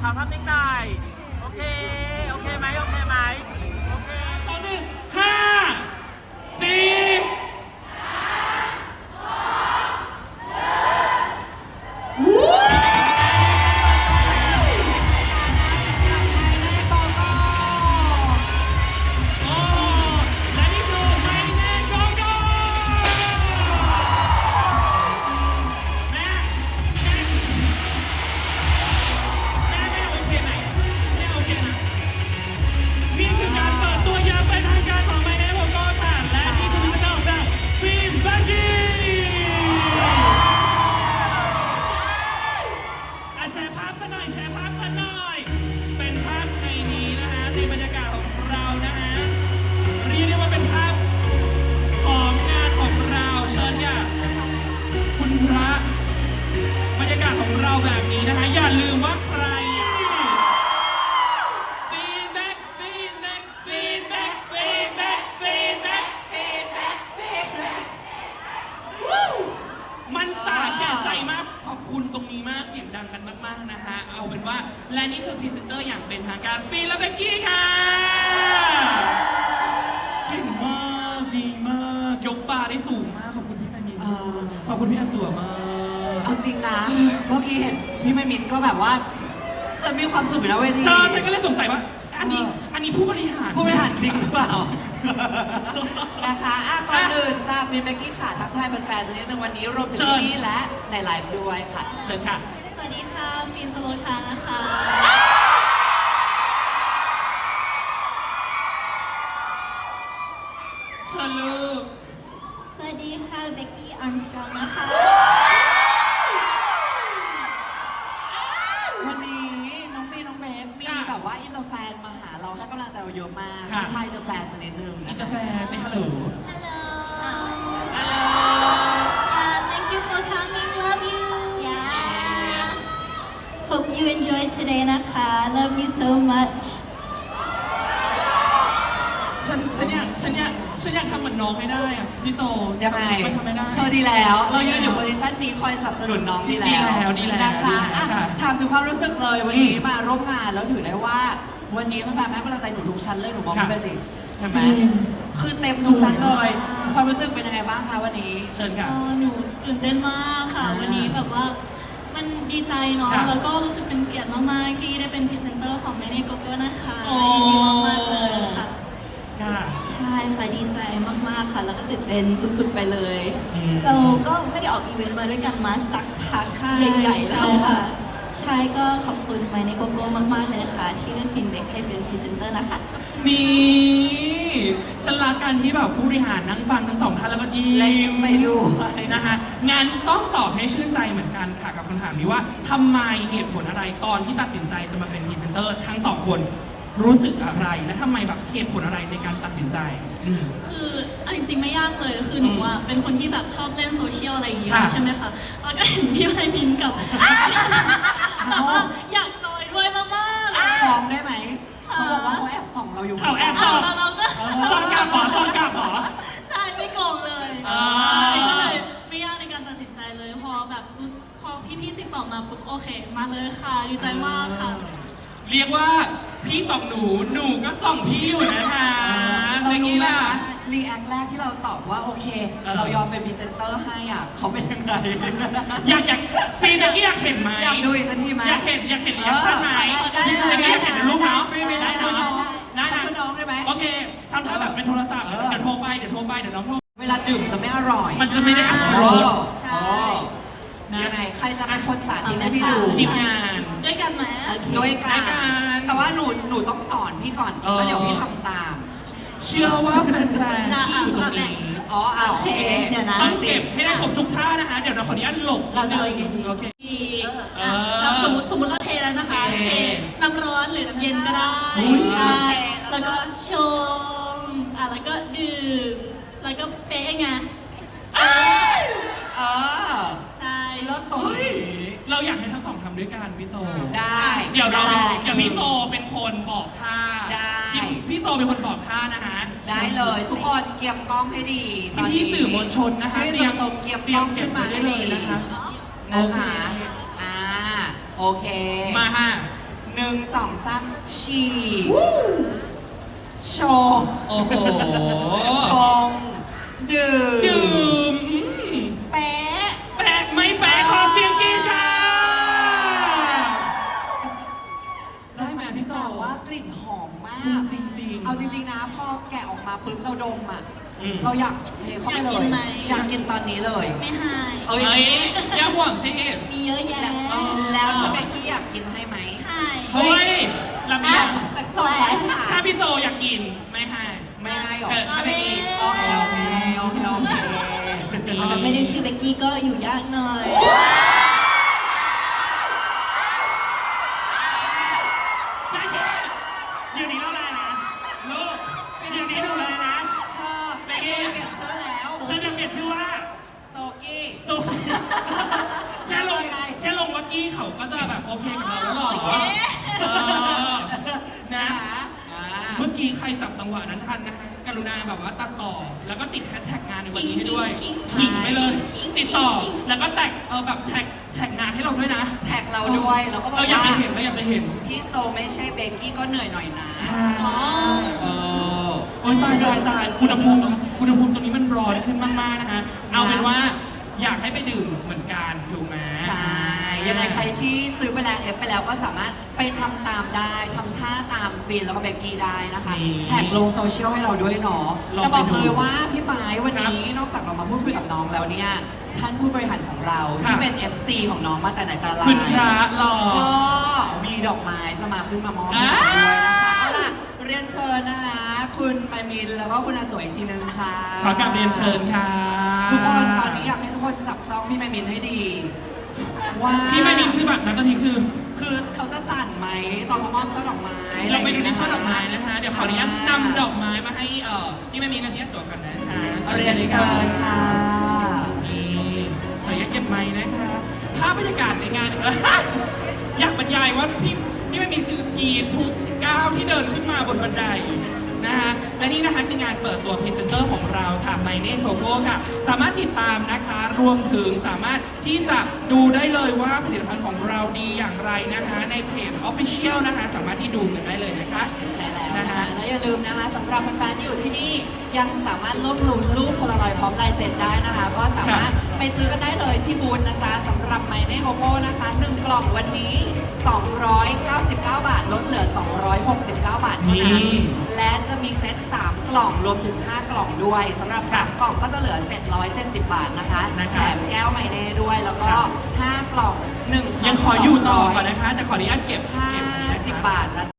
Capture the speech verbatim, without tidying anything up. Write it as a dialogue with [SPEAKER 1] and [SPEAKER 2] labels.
[SPEAKER 1] อภาพนิ่งหน่อยโอเคโอเคไหมโอเคไหมโอเค
[SPEAKER 2] สองหนึ่งห้าสี่บรรยากาศของเราแบบนี้นะคะอย่าลืมว่าใครฟีดแบ็กฟีดแบ็กฟีดแบ็กฟีดแบ็กฟีดแบ็กฟีดแบ็กฟีดแบ็กมันสาแก่ใจมากขอบคุณตรงนี้มากเสียงดังกันมากๆนะฮะเอาเป็นว่าและนี่คือพรีเซนเตอร์อย่างเป็นทางการฟีและเบกกี้ค่ะเก่งมากดีมากยกปลาได้สูงมากขอบคุณพี่แมนนินขอบคุณพี่อาสัวมาก
[SPEAKER 3] เอาจริงนะเมื่อกี้เห็นพี่ไม่มินก็แบบว่าจะมีความสุขอยู่นะเวที
[SPEAKER 2] เธอฉันก็เลยสงสัยว่าอันนี้อันนี้ผู้บริหาร
[SPEAKER 3] ผู้บริหารจริงหรือเปล่านะคะอ่ะก่อนอื่นจ้าฟีนเบกกี้ค่ะทักทายแฟนๆสักนิดนึงวันนี้รวมถึงที่และในไลฟ์ด้วยค่ะ
[SPEAKER 2] เชิญค่ะ
[SPEAKER 4] สวัสดีค่ะฟินสโลชานะคะ
[SPEAKER 2] เชิญลูก
[SPEAKER 4] สวัสดีค่ะเบกกี้อาร์มสตรองนะคะ
[SPEAKER 3] วันนี้น้องฟีน้องเบฟมีแบบว่าอินเตอร์แฟนมาหาเราให้กำลังใจเราเยอะมากทักทายอินเตอร์แฟนสักนิดนึง
[SPEAKER 2] อินเตอร์แฟนสิฮัลโหล
[SPEAKER 4] Hello Thank you for coming love you Yeah Hope you enjoy today นะคะ Love you so much
[SPEAKER 2] ฉันฉันอยากฉันอยากฉันอยากทำเหมือนน้องให้ได้อะพี่โซ
[SPEAKER 3] ยังไง
[SPEAKER 2] มันทำไม่ได้
[SPEAKER 3] เธอดีแล้วเรายืนอยู่โพซิชั่นนี้คอยสนับสนุนน้องดีแล้ว
[SPEAKER 2] ดีแล้วดีแล้ว
[SPEAKER 3] นะคะถามถึงความรู้สึกเลยวันนี้มาร่วมงานแล้วถือได้ว่าวันนี้แฟนๆให้กำลังใจหนูทุกชั้นเลยหนูมองไปสิเห็นไหมคือเต็มทุกชั้นเลยความรู้สึกเป็นยังไงบ้างคะวันนี้
[SPEAKER 2] เชิญค่ะ
[SPEAKER 4] หนูตื่นเต้นมากค่ะวันนี้แบบว่ามันดีใจเนาะแล้วก็รู้สึกเป็นเกียรติมากๆที่ได้เป็นพรีเซนเตอร์ของแมนนี่โกโก้นะคะยินดีมากๆเลยค่ะใช่ค่ะดีใจมากๆค่ะแล้วก็ตื่นเต้นสุดๆไปเลยเราก็ไม่ได้ออกอีเวนต์มาด้วยกันมาสักพักใหญ่ๆแล้วค่ะใช่ก็ขอบคุณไมในโกโก้มากๆเลยนะคะที่เลือกฟินเบคให้เป็นพรีเซนเตอร์นะคะ
[SPEAKER 2] นี่ฉันรักการที่แบบผู้บริหารนั่งฟังทั้งสองท่านแล้วก็ยิ้ม
[SPEAKER 3] ไปดู
[SPEAKER 2] นะคะงั้นต้องตอบให้ชื่นใจเหมือนกันค่ะกับคำถามนี้ว่าทำไมเหตุผลอะไรตอนที่ตัดสินใจจะมาเป็นพรีเซนเตอร์ทั้งสองคนรู้สึกอะไรและทำไมแบบเหตุผลอะไรในการตัดสินใจ
[SPEAKER 4] คือจริงๆไม่ยากเลยคือหนูอ่ะเป็นคนที่แบบชอบเล่นโซเชียลอะไรอย่างเงี้ยใช่ไหมคะแล้วก็เห็นพี่ไพมินกับแบบว่าอยากจอยด้วยมากๆ
[SPEAKER 3] ฟ้องได้ไหมเขาบอกว่าเขาแอบส่องเราอยู่
[SPEAKER 2] เขาแอบส่อง
[SPEAKER 4] เราก็
[SPEAKER 2] ต้อนกลับหรอต้อนกลับหรอ
[SPEAKER 4] ใช่ไม่โกงเลยก็เลยไม่ยากในการตัดสินใจเลยพอแบบพอพี่ๆติดต่อมาปุ๊บโอเคมาเลยค่ะดีใจมากค่ะ
[SPEAKER 2] เรียกว่าพี่ส่องหนูหนูก็ส่องพี่อยู่นะคะ
[SPEAKER 3] เรารู้ไหมคะรีแอคแรกที่เราตอบว่าโอเคเรายอมเป็นพรีเซนเตอร์ให้อ่ะเขาเป็นยังไง
[SPEAKER 2] อยากอยากฟีนเมื่อกี้อยากเห็นไหม
[SPEAKER 3] อยากดูอีกสักทีไหม
[SPEAKER 2] อยากเห็นอยากเห็นรีแอคชั่นไหมพี่เมื่อกี้อยากเห็นในรูปเนาะ
[SPEAKER 3] ไม่ไม่ได้
[SPEAKER 2] เนาะได้
[SPEAKER 3] นะน้องได้ไหม
[SPEAKER 2] โอเคทำท่าแบบเป็นโทรศัพท์เดี๋ยวโทรไปเดี๋ยวโทรไปเดี๋ยวน้องโทร
[SPEAKER 3] เวลาดื่มจะไม่อร่อย
[SPEAKER 2] มันจะไม่ได้อรรถ
[SPEAKER 4] ใช่
[SPEAKER 3] ยังไงใครจะเป็นคนสาธิตให้พี่ดู
[SPEAKER 2] ทีมงาน
[SPEAKER 4] ด้วยกันไหม
[SPEAKER 3] ด้วยกันแต่ว่าหนูหนูต้องสอนพี่ก่อนแล้วเดี๋ยวพี่ทำตาม
[SPEAKER 2] เชื่อว่าแฟนๆที่อยู่ตรงนี้
[SPEAKER 3] อ๋อโอเค
[SPEAKER 4] เดี๋ยวนะ
[SPEAKER 2] ต้องเก็บให้ได้ครบทุกท่านะคะเดี๋ยวเราขออนุญาตหลบ
[SPEAKER 4] เราจะ
[SPEAKER 2] โอ
[SPEAKER 4] เค
[SPEAKER 2] โอเค
[SPEAKER 4] เราสมมติสมมติเราเทแล้วนะคะเทน้ำร้อนหรือน้ำเย็นก็ได้ใช่แล้วก็ชงอ่ะแล้วก็ดื่มแล้วก็เป๊ะไง
[SPEAKER 3] เออ
[SPEAKER 4] ใช่
[SPEAKER 3] แล้วตรงนี้
[SPEAKER 2] เราอยากให้ทั้งสองทำด้วยกันพี่โซ
[SPEAKER 3] ได้
[SPEAKER 2] เดี๋ยวเราอย่างพี่โซเป็นคนบอกท่า
[SPEAKER 3] ได้
[SPEAKER 2] พี่โซเป็นคนบอกท่านะคะ
[SPEAKER 3] ได้เลยทุกคนเก็บกล้องให้ดี
[SPEAKER 2] ตอนนี้สื่อมวลชนนะคะ
[SPEAKER 3] เตรียมเก็บกล้องขึ้นมาให้ดี
[SPEAKER 2] นะคะ
[SPEAKER 3] นะคะอ่าโอเค
[SPEAKER 2] มาฮะ
[SPEAKER 3] หนึ่งสองสามฉี่ชง
[SPEAKER 2] โอ้โห
[SPEAKER 3] ชงดื่ม
[SPEAKER 2] ดื่มอืม
[SPEAKER 3] แป๊ะ
[SPEAKER 2] แปลกไหมแปลกขอเสียงกรี๊ดค่ะได้ไหมพี่โต
[SPEAKER 3] แต่ว่ากลิ่นหอมมาก
[SPEAKER 2] จริงจริงๆ
[SPEAKER 3] เอาจริงๆนะ พอแกะออกมาปุ๊บเราดมอ่ะ
[SPEAKER 2] อืม
[SPEAKER 3] เราอยากเทเข้าไปเลย
[SPEAKER 4] อยากกินไหม
[SPEAKER 3] อยากกินตอนนี้เลย
[SPEAKER 4] ไม่ให้
[SPEAKER 3] เอ้ย
[SPEAKER 2] เฮ้ยอย่าห่วงสิ
[SPEAKER 4] มีเยอะแยะ
[SPEAKER 2] อ๋อ
[SPEAKER 3] แล้วถ้าเบกกี้อยากกินให้ไหม
[SPEAKER 4] ให้
[SPEAKER 2] เฮ้ยลำ
[SPEAKER 3] อ่ะ
[SPEAKER 2] บาก
[SPEAKER 3] แต่สองร้อยค่ะ
[SPEAKER 2] ถ้าพี่โซอยากกินไม่ให้
[SPEAKER 3] ไม่ให้หรอ
[SPEAKER 2] เออไม่ได้กิน
[SPEAKER 3] โอเคโอเคโอเคโอเค
[SPEAKER 4] อ๋อไม่ได้ชื่อเบกกี้ก็อยู่ยากหน่อย
[SPEAKER 2] ได้แค่เดี๋ยวนี้เราอะไรนะลูกเดี๋ยวนี้ดูเลยนะ
[SPEAKER 3] เออเบกกี้เปลี่ยนชื่อแล้ว
[SPEAKER 2] เราจะเปลี่ยนชื่อว่า
[SPEAKER 3] โซกี้
[SPEAKER 2] ตุ๊กแค่ลงแค่ลงว่ากี้เขาก็จะแบบโอเคกับเราแล้วหรอ
[SPEAKER 3] โอเค
[SPEAKER 2] เออนะ
[SPEAKER 3] อ่า
[SPEAKER 2] เมื่อกี้ใครจับจังหวะนั้นทันนะคะกรุณาแบบว่าตัดต่อ แล้วก็ติดแฮชแท็กงานในวันนี้ให้ด้วย
[SPEAKER 4] ขิง
[SPEAKER 2] ขิงไปเลย
[SPEAKER 4] ขิง
[SPEAKER 2] ติดต่อ
[SPEAKER 4] ขิง
[SPEAKER 2] แล้วก็แท็กเออแบบแท็กแท็กงานให้เราด้วยนะ
[SPEAKER 3] แท็กเราด้วยแล้วก็บอก
[SPEAKER 2] เราอยาก
[SPEAKER 3] ว่า
[SPEAKER 2] ไปเห็นเราอยากไปเห็น
[SPEAKER 3] พี่โซไม่ใช่เบกกี้ก็เหนื่อยหน่อยนะ
[SPEAKER 2] อ๋อ
[SPEAKER 3] เออ
[SPEAKER 2] โอ้ยตายตายตายอุณหภูมิอุณหภูมิตรงนี้มันร้อนขึ้นมากๆนะฮะ เอาเป็นว่าอยากให้ไปดื่มเหมือนกันถูกไหม
[SPEAKER 3] ใช่ ยังไงใครที่ซื้อไปแล้วเอฟไปแล้วก็สามารถไปทำตามได้ทำท่าตามฟินแล้วก็เบกกี้ได้นะคะ
[SPEAKER 2] นี่
[SPEAKER 3] แท็กลงโซเชียลให้เราด้วยเนาะ
[SPEAKER 2] ลอง
[SPEAKER 3] แต่บอก
[SPEAKER 2] ไปดู
[SPEAKER 3] เลยว่าพี่ไม้วันนี้นอกจากเรามาพูดคุยกับน้องแล้วเนี่ย ท่านผู้บริหารของเรา
[SPEAKER 2] ค่ะ
[SPEAKER 3] ที่เป็น เอฟ ซี ของน้องมาแต่ไหนแต่ไร
[SPEAKER 2] คุณพระหล่อ
[SPEAKER 3] ก็มีดอกไม้จะมาขึ้นมามอบให้
[SPEAKER 2] อ่า
[SPEAKER 3] เราด้วยนะคะเอาล่ะเรียนเชิญนะคะคุณไมมินแล้วก็คุณอาสวยอีกทีนึงค่ะ
[SPEAKER 2] ขอกราบเรียนเชิญค่ะ
[SPEAKER 3] ทุกคนตอนนี้อยากให้ทุกคนจับจ้องพี่ไมมินให้ดีว่า
[SPEAKER 2] พี่ไม่มีคือแบบนั้นตอนนี้คือ
[SPEAKER 3] คือเขาจะสั่นไหมตอนมามอบช่อดอกไม้
[SPEAKER 2] เราไปดูในช่อดอกไม้นะคะ เดี๋ยวขออนุญาตนำดอกไม้มาให้เอ่อพี่ไม่มีกันที่สวนก่อนนะคะ
[SPEAKER 3] เรียนเชิญค่ะ
[SPEAKER 2] นี่ขออนุญาตเก็บไม้นะคะภาพบรรยากาศในงาน อยากบรรยายว่าพี่พี่ไม่มีคือกรีดทุกก้าวที่เดินขึ้นมาบนบันไดนะคะและนี่นะคะคืองานเปิดตัวพรีเซนเตอร์ของเราค่ะไมเน่โทโก้ค่ะ สามารถติดตามนะคะรวมถึงสามารถที่จะดูได้เลยว่าผลิตภัณฑ์ของเราดีอย่างไรนะคะ ในเพจ Official นะคะสามารถที่ดูกันได้เลยนะคะ
[SPEAKER 3] ใช่แล้ว
[SPEAKER 2] นะ
[SPEAKER 3] นะคะ
[SPEAKER 2] คะ
[SPEAKER 3] และอย่าลืมนะคะสำหรับแฟนๆที่อยู่ที่นี่ยังสามารถลบหลู่รูปโพลารอยด์พร้อมลายเซ็นได้นะคะก็สามารถไปซื้อกันได้เลยที่บูธนะจ๊ะสำหรับไมเน่โกโก้นะคะหนึ่งกล่องวันนี้ สองร้อยเก้าสิบเก้า บาทลดเหลือ สองร้อยหกสิบเก้า บาทเท่านั้น
[SPEAKER 2] นี่
[SPEAKER 3] และจะมีเซตสามกล่องรวมถึงห้ากล่องด้วยสำหรับสามกล่องก็จะเหลือเจ็ดร้อยเจ็ดสิบบาทนะคะ
[SPEAKER 2] นะคะ
[SPEAKER 3] แถมแก้วไมเน่ด้วยแล้วก็
[SPEAKER 2] ครับ
[SPEAKER 3] ห้ากล่องหนึ่ง
[SPEAKER 2] ยังขออยู่ต่อก่อนนะคะ แต่ขออนุญาตเก็บ
[SPEAKER 3] ห้า
[SPEAKER 2] เก็บนะ
[SPEAKER 3] สิบ
[SPEAKER 2] คะ
[SPEAKER 3] บาทนะ